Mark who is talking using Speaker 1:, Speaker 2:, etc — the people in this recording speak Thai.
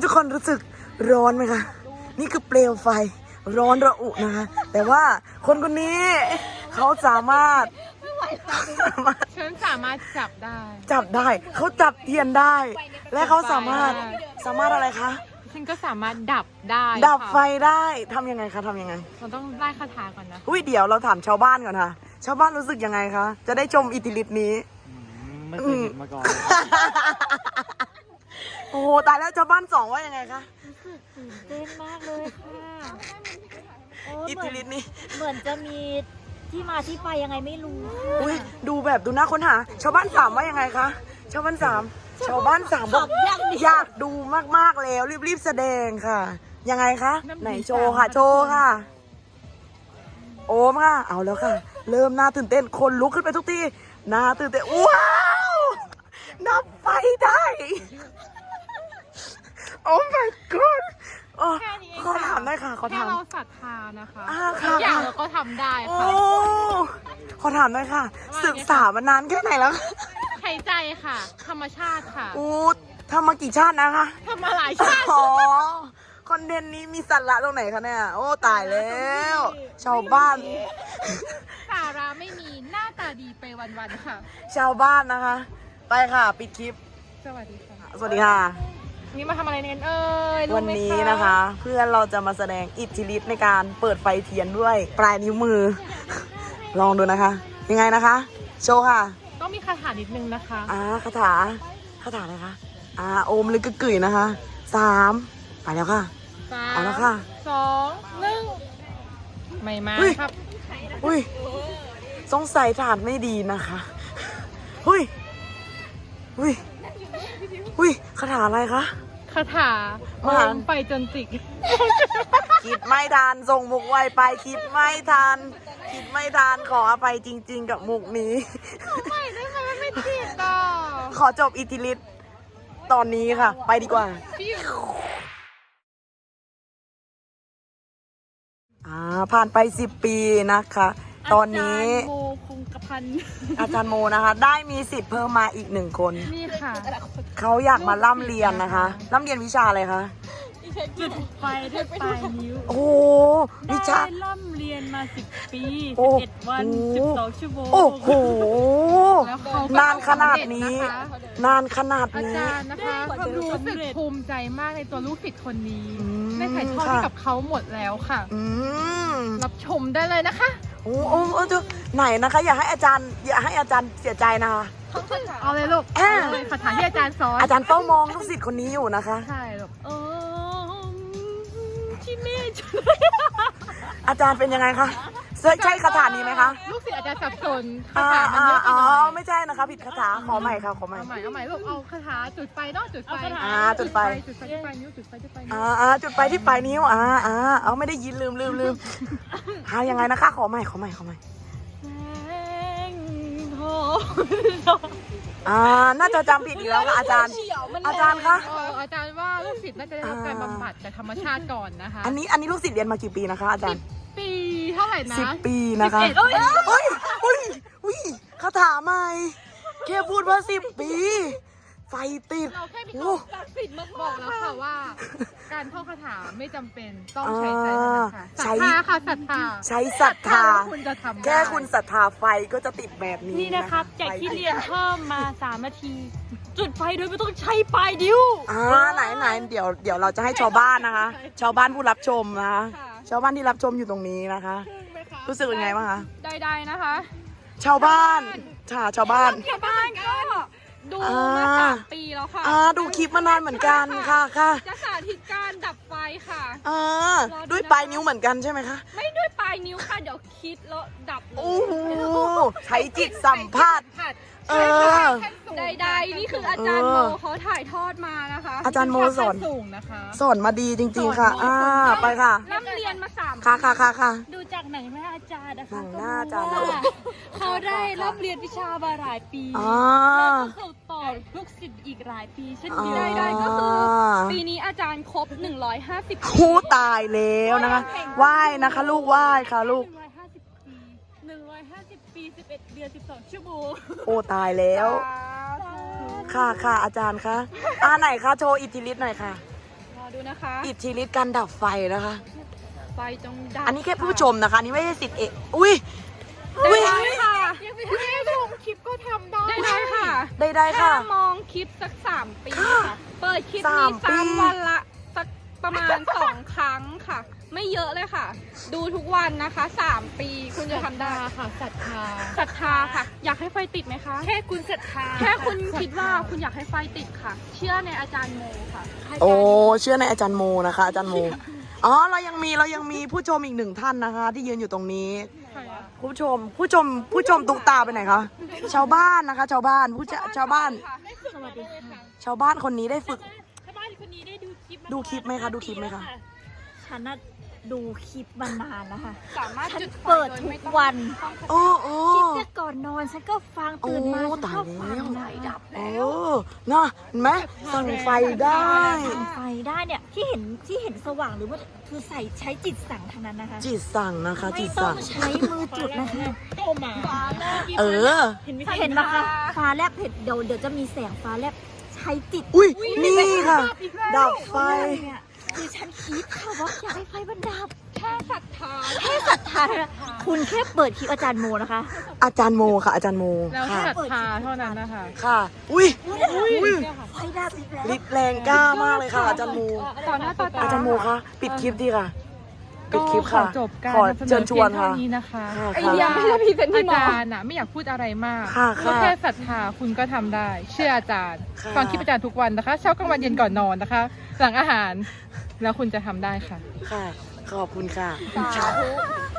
Speaker 1: ทุกคนรู้สึกร้อนไหมคะนี่คือเปลวไฟร้อนระอุนะคะแต่ว่าคนคนนี้เขาสามารถ
Speaker 2: ฉันสามารถจับได้
Speaker 1: เขาจับเทียนได้ และเขาสามารถอะไรคะ
Speaker 2: ฉันก็สามารถดับได้
Speaker 1: ดับไฟได้ทำยังไงคะทำยังไง
Speaker 2: เราต้องไล่คาถาก่อนนะ
Speaker 1: เดี๋ยวเราถามชาวบ้านก่อนค่ะชาวบ้านรู้สึกยังไงคะจะได้ชมอิทธิฤทธิ์นี้
Speaker 3: ไม่เคยเห็นมาก่อน
Speaker 1: โอ้โหตายแล้วชาวบ้านสองว่ายังไงคะ
Speaker 4: ตื่นเต้นมากเลยค่ะ
Speaker 1: อิทธิฤทธิ์นี้
Speaker 4: เหมือนจะมีที่มาที่ไปยังไงไม่รู้
Speaker 1: ดูแบบดูน่าค้นหาชาวบ้านสามว่ายังไงคะชาวบ้านสามบอกอยากดูมากๆแล้วรีบแสดงค่ะยังไงคะไหนโชว์ค่ะโอมค่ะเอาแล้วค่ะเริ่มน่าตื่นเต้นคนลุกขึ้นไปทุกทีน่าตื่นเต้นว้าวนับไฟได้โอ้ my god ขอถามได้ค่ะขอถาม
Speaker 2: แค่เราศรัทธานะคะ
Speaker 1: ทุก
Speaker 2: อย่างเราก็ทำได้ค่ะ
Speaker 1: ขอถามได้ค่ะศึกษามานานแค่ไหนแล้ว
Speaker 2: หายใจค่ะธรรมชาติค่ะ
Speaker 1: ทำมากี่ชาตินะคะ
Speaker 2: ทำมาหลายชาติ
Speaker 1: คอนเทนต์นี้มีสาระตรงไหนคะเนี่ยโอ้ตายแล้วชาวบ้าน
Speaker 2: สาระไม่มีหน้าตาดีไปวันๆค่ะ
Speaker 1: ชาวบ้านนะคะไปค่ะปิดคลิป
Speaker 2: สวัสดีค่ะนี่มาทำอะไรเนี่ย
Speaker 1: วันนี้นะคะเพื่อนเราจะมาแสดงอิทธิฤทธิ์ในการเปิดไฟเทียนด้วยปลายนิ้วมือลองดูนะคะยังไงนะคะโชว์ค่ะ
Speaker 2: ต้องมีคาถานิดนึงนะคะ
Speaker 1: คาถาอะไรคะโอมลึกกึ่ยนะคะ3ไปแล้วค่ะเอาแล้วค่ะ
Speaker 2: 2 1ไม่มาครับ
Speaker 1: สงสัยฐานไม่ดีนะคะคาถาอะไรคะ
Speaker 2: คาถาโอมไปจนติก
Speaker 1: คิดไม่ทันส่งมุกไวไปคิดไม่ทันขออภัยจริงๆกับมุกนี้
Speaker 2: ไม่ได้ไหมไม่ติดต่อ
Speaker 1: ขอจบอิทธิฤทธิ์ตอนนี้ค่ะไปดีกว่าผ่านไป10 ปีนะคะตอนนี้
Speaker 2: โมคงกระพัน
Speaker 1: อาจารย์โมนะคะได้มีสิทธิ์เพิ่มมาอีก1 คน
Speaker 2: นี่ค่ะ
Speaker 1: เขาอยากมาล่ำเรียนนะคะล่ำเรียนวิชาอะไรคะ
Speaker 4: จุดไฟด้วยปลายนิ้ว
Speaker 1: วิชา
Speaker 4: ได้ล่ำเรียนมา10 ปี11 วัน12 ชั่วโมง
Speaker 1: โอ้โหนานขนาดนี้
Speaker 2: อาจารย์นะคะรู้สึกภูมิใจมากในตัวลูกศิษย์คนนี้ได้ถ่ายทอดให้กับเขาหมดแล้วค่ะรับชมได้เลยนะคะ
Speaker 1: ไหนนะคะอย่าให้อาจารย์เสียใจนะคะ
Speaker 2: เอาเลยลูกคาถาที่อาจารย์สอน
Speaker 1: อาจารย์เฝ้ามองลูกศิษย์คนนี้อยู่นะคะ
Speaker 2: ใช่ลูก
Speaker 4: ที่แม่
Speaker 1: อาจารย์เป็นยังไงคะใช่คาถานี้ไหมคะ
Speaker 2: ลูกศิษย์อาจารย์สับสนคาถามันเยอะไปหน่อย
Speaker 1: ไม่ใช่นะคะผิดคาถาขอใหม่ค่ะขอใหม่
Speaker 2: เอาใหม่ลูกเอาคาถาจุดไฟเนาะจุดไฟ
Speaker 1: จุดไฟ
Speaker 2: ที่ปลายนิ้วจุดไฟที่ปลายนิ้ว
Speaker 1: จุดไฟที่ปลายนิ้วเอาไม่ได้ยินลืมยังไงนะคะขอใหม่น่าจะจำผิดอีกแล้วค่ะอาจารย์คะ
Speaker 2: อาจารย์ว่าลูกศิษย์น่าจะได้รับการบำบัดจากธรรมชาติก่อนนะคะ
Speaker 1: อันนี้ลูกศิษย์เรียนมากี่ปีนะคะอาจารย์
Speaker 2: 10 ปีเท่าไหร่นะ
Speaker 1: 10 ปีนะคะคาถาใหม่แค่พูดว่า10 ปีไฟติด
Speaker 2: เราแค่มีความศักดิ์สิทธิ์มาบอกแล้วค่ะว่าการท่องคาถาไม่จำเป็นต้องใช้ใจเท่านั้นค่ะศรัทธาค่ะศรัทธา
Speaker 1: ใช้ศรัทธา
Speaker 2: คุณจะทำ
Speaker 1: แค่คุณศรัทธาไฟก็จะติดแบบนี้
Speaker 4: นี่นะครับจากที่เรียนเพิ่มมา3 นาทีจุดไฟโดยไม่ต้องใช้ปลายนิ้ว
Speaker 1: ไหนเดี๋ยวเราจะให้ชาวบ้านนะคะชาวบ้านผู้รับชมนะคะชาวบ้านที่รับชมอยู่ตรงนี้นะคะรู้สึกยังไงบ้างคะ
Speaker 2: ได้นะคะ
Speaker 1: ชาวบ้านชาวบ้าน
Speaker 2: ก็ดูมา3 ปีแล้วค่ะ
Speaker 1: ดูคลิปมานานเหมือนกันค่ะ
Speaker 2: จะสาธิตการดับไฟค่ะ
Speaker 1: ด้วยปลายนิ้วเหมือนกันใช่ไหมคะ
Speaker 2: ไม่ด้วยปลายนิ้วค่ะเดี๋ยวคิดแล้วดับเลย
Speaker 1: ใช้จิตสัมผัส
Speaker 2: ใดๆนี่คืออาจารย์โมเขาถ่ายทอดมานะคะ
Speaker 1: อาจารย์โมสอนมาดีจริงๆค่ะไปค่ะ
Speaker 2: ร่ำเรียนมา3
Speaker 1: ค่ะ
Speaker 4: ดูจากหนังหน้าอาจารย์นะคะ
Speaker 1: หน้าอาจารย์
Speaker 4: เขาได้ร่ำเรียนวิชามาหลายปี
Speaker 1: แล้ว
Speaker 4: ก็สืบต่อลูกศิษย์อีกหลายปีเช่นเดียวกัน
Speaker 2: ก็คือปีนี้อาจารย์ครบ150 ปี
Speaker 1: ตายแล้วนะคะไหว้นะคะลูกไหว้ค่ะลูก
Speaker 4: 150 ปี11 เดือน12 ชั่วโมง
Speaker 1: ตายแล้วค่ะอาจารย์คะไหนคะโชว์อิทธิฤทธิ์หน่อยค่ะ
Speaker 4: อดูนะคะ
Speaker 1: อิทธิฤทธิ์การดับไฟนะคะ
Speaker 4: ไฟจงดับ
Speaker 1: อันนี้แค่ผู้ชมนะคะอันนี้ไม่ใช่สิทธิ์เอกอุ้ยอุ้ย
Speaker 4: ได้ค่ะ
Speaker 2: คุณแม่ชมคลิปก็ทำได้
Speaker 4: ได้ค่ะ
Speaker 1: ได้ค่ะ
Speaker 4: ถ้ามองคลิปสัก3 ปี
Speaker 1: ค่ะ
Speaker 4: ค่ะ เปิดคลิป
Speaker 1: สา
Speaker 4: นี้
Speaker 1: มปี
Speaker 4: 3 วันละสักประมาณ 2 ครั้งค่ะ ไม่เยอะเลยค่ะ ดูทุกวันนะคะ3 ปีคุณจะทำได้
Speaker 2: ค่ะศรัทธา
Speaker 4: ศรัทธาค่ะ อยากให้ไฟติดไหมคะ
Speaker 2: แค่คุณศรัทธา
Speaker 4: แค่คุณคิดว่าคุณอยากให้ไฟติดค่ะ เชื่อในอาจารย์โมค่ะ
Speaker 1: โอ้เชื่อในอาจารย์โมนะคะ อาจารย์โมอ๋อเรายังมีผู้ชมอีก1 ท่านนะคะ ที่ยืนอยู่ตรงนี้ ผู้ชมตุ๊กตาไปไหนคะชาวบ้านนะคะ ชาวบ้านชาวบ้าน
Speaker 4: สวัสดีค่ะ
Speaker 1: ชาวบ้านคนนี้ได้ฝึก
Speaker 4: ชาวบ้านคนนี้ได้ดูคลิป
Speaker 1: ดูคลิปไหมคะดูคลิปไหมคะ
Speaker 5: ฉันน่ะดูคลิปมานานแล้วค่ะ
Speaker 4: สามารถ
Speaker 5: ฉัน
Speaker 4: จุดไฟ
Speaker 5: เปิด
Speaker 4: โย
Speaker 5: ทุ
Speaker 4: ไม่
Speaker 5: ก
Speaker 4: ต้อง
Speaker 5: วัน
Speaker 1: โอ้โอ้
Speaker 5: คลิปเนี่ยก่อนนอนฉันก็ฟังตื่นมา
Speaker 1: โอ้
Speaker 5: ฉัน
Speaker 1: ตาย
Speaker 5: ก็
Speaker 1: แล้ว
Speaker 5: ฟังนะ
Speaker 1: โอ้น่ะเห็นไหมสั่งไฟได้
Speaker 5: สั่งไฟได้เนี่ยที่เห็นสว่างหรือว่าคือใช้จิตสั่งทางนั้นนะคะ
Speaker 1: จิตสั่งนะคะ จิ
Speaker 5: ไม่
Speaker 1: ต
Speaker 5: ต้อ
Speaker 1: สั่
Speaker 5: ง
Speaker 1: ง
Speaker 5: ใช้มือจุดนะคะ
Speaker 2: ก็มา
Speaker 1: เออ
Speaker 5: เห็นไหมคะฟ้าแลบเดี๋ยวจะมีแสงฟ้าแลบใช้จิต
Speaker 1: อุ้ยนี่ค่ะ ดับไฟ
Speaker 5: เนี่ยคือฉันคิดค่ะว่าอยากให้ไฟมันดับ
Speaker 4: แค่ศรัทธา
Speaker 5: แค่ศรัทธานะคุณแค่เปิดคลิปอาจารย์โมนะคะ
Speaker 1: อาจารย์โมค่ะ อาจารย์โม
Speaker 2: แล้ว
Speaker 1: ค่ะ
Speaker 2: ศรัทธาเท่านั้นนะคะ
Speaker 1: ค่ะ อุ้ย
Speaker 5: ไฟดับอีกแล้ว
Speaker 1: ฤทธิ์แรงกล้ามากเลยค่ะ อาจารย์โม
Speaker 2: ต่อหน้าต่อตา
Speaker 1: อาจารย์โมคะปิดคลิปดีค่ะ ปิดคลิป
Speaker 2: ก็
Speaker 1: ค่ะ
Speaker 2: ขอจบการ
Speaker 1: ขอน
Speaker 2: ำเสน
Speaker 1: เชิ
Speaker 2: อ
Speaker 1: ญช
Speaker 2: เพี
Speaker 1: วย น
Speaker 2: ง
Speaker 1: ค่ะ
Speaker 2: เท่านี้นะคะ
Speaker 1: ค่ะ
Speaker 2: ไอ้
Speaker 1: ค่ะ
Speaker 2: ยาอาจารย์น่ะไม่อยากพูดอะไรมาก
Speaker 1: ค่ะ
Speaker 2: ก็
Speaker 1: ค่ะ
Speaker 2: แค่ศรัทธาคุณก็ทำได้ เชื่ออาจารย์
Speaker 1: ค่ะ
Speaker 2: ฟังคลิปอาจารย์ทุกวันนะคะ เช้ากลางวันเย็นก่อนนอนนะคะ หลังอาหาร แล้วคุณจะทำได้ค่ะ
Speaker 1: ค่ะ ขอบคุณค่ะ
Speaker 4: สาธุ